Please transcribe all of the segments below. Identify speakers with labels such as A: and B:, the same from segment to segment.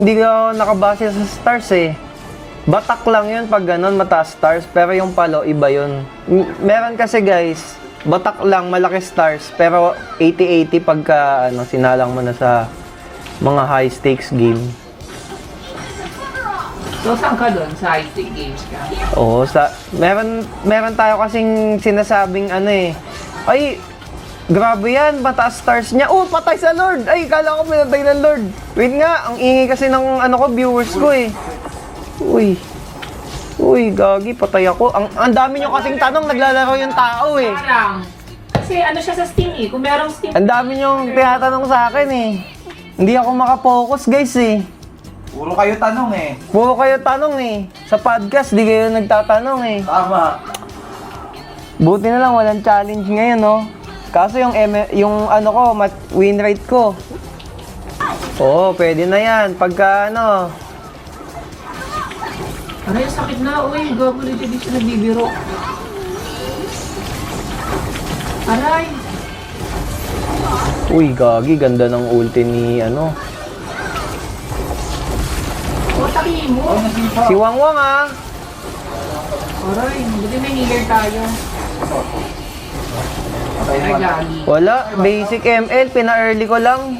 A: Hindi ko nakabase sa stars eh. Batak lang yun pag ganun, mataas stars. Pero yung palo, iba yun. Meron kasi guys, batak lang, malaki stars. Pero 80-80 pagka sinalang mo na sa mga high stakes game.
B: So, saan ka doon? Sa high-stake games ka?
A: Oo, meron tayo kasing sinasabing ay, grabe yan, mataas stars niya. Oh, patay sa Lord! Ay, kala ko pinatay ng Lord. Wait nga, ang ingay kasi ng viewers ko eh. Uy, gagi, patay ako. Ang dami nyo kasing tanong, naglalaro yung tao eh.
B: Parang, kasi siya sa Steam eh. Kung merong Steam.
A: Ang dami nyo tinatanong sa akin eh. Hindi ako makapokus guys eh.
C: Puro kayo tanong eh.
A: Puro kayo tanong eh. Sa podcast, di kayo nagtatanong eh.
C: Tama.
A: Buti na lang, walang challenge ngayon, no? Kaso yung win rate ko. Oo, pwede na yan. Pagka
B: Aray, sakit na. Uy, gago dito siya nagbibiro. Aray.
A: Uy, gagi, ganda ng ulti ni
B: Taki mo.
A: si Wangwang ah.
B: Aray, buti may healer tayo.
C: Patay
B: Ay,
C: naman.
B: gagi.
A: Wala, basic ML, pina-early ko lang.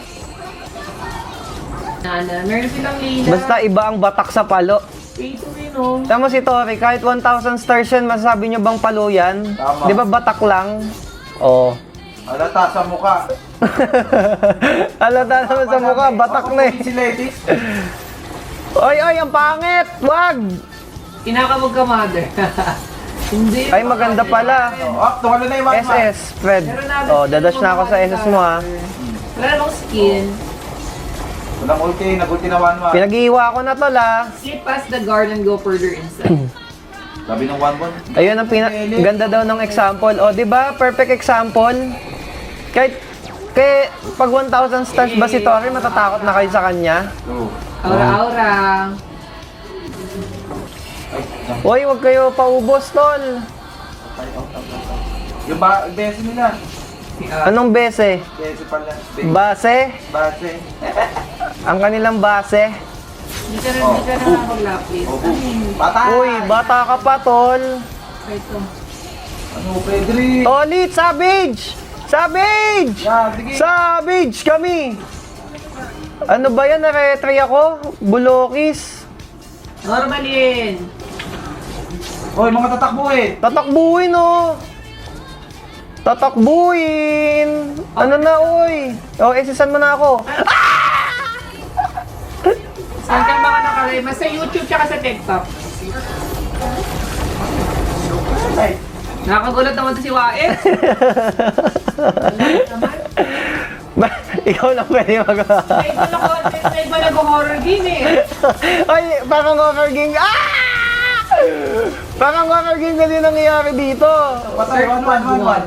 B: Meron silang lila.
A: Basta iba ang batak sa palo.
B: Ito rin oh.
A: Tama si Tori, kahit 1,000 stars yan, masasabi nyo bang palo yan?
C: Tama.
A: Di ba batak lang? Oo.
C: Halata sa mukha.
A: Halata naman sa mukha, batak na eh.
C: Si ladies.
A: Ay, ang pangit! Wag!
B: Kinakabog ka, mother. Hindi.
A: Ay, maganda pala.
C: Tumalo na yung one man.
A: SS, Fred. Oh, dadash na ako sa SS mo ha.
B: Wala namang skin.
C: Walang ulti, nag-ulti na one man.
A: Pinag-iiwa ko na tol ha.
B: Slip past the guard and go further inside.
C: Sabi ng one man.
A: Ayun ang ganda daw ng example. O, di ba? Perfect example. Kahit pag 1,000 stars ba si Tori, matatakot na kayo sa kanya?
C: True.
B: Aura-aura.
C: Ay,
A: Hoy, wag kayo paubos, tol.
C: yung bese nila.
A: Anong bese?
C: Bese pala.
A: Base?
C: Base.
A: Ang kanilang base?
B: Hindi ka na nakapag-lapis.
C: Oh, patay.
A: Uy, bata ka pa, tol.
B: Ito.
C: Ano, Pedri?
A: Tolit, Savage! Savage!
C: Yeah, sige.
A: Savage kami! Ano ba yan? Na-retry ako? Bulokis.
B: Normalin.
C: Hoy, mga tatakbuhin.
A: Tatakbuhin, oh! Tatakbuhin! Ano na, oy? O, isisan mo na ako.
B: Saan ka mga nakarema? Sa YouTube tsaka sa TikTok.
C: Ay,
B: Nakagulat naman to si Waet.
A: Ikaw lang pwede magawa.
B: May iba nag-horror game eh.
A: Ay, parang horror game. Ah! Parang horror game kasi nangyayari dito.
C: patay, one.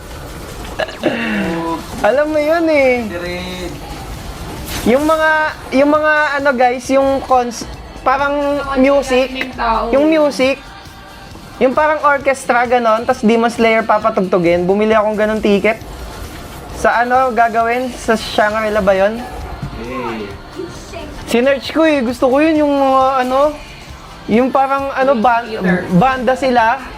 A: Alam mo yun eh.
C: Dirin.
A: Yung mga guys, yung parang music, yung music, yung parang orchestra ganon, tas Demon Slayer papatugtugin. Bumili akong ganon ticket. Sa gagawin? Sa Shangri-La ba yun?
C: Eh.
A: Sinearch ko eh. Gusto ko yun yung yung parang banda sila.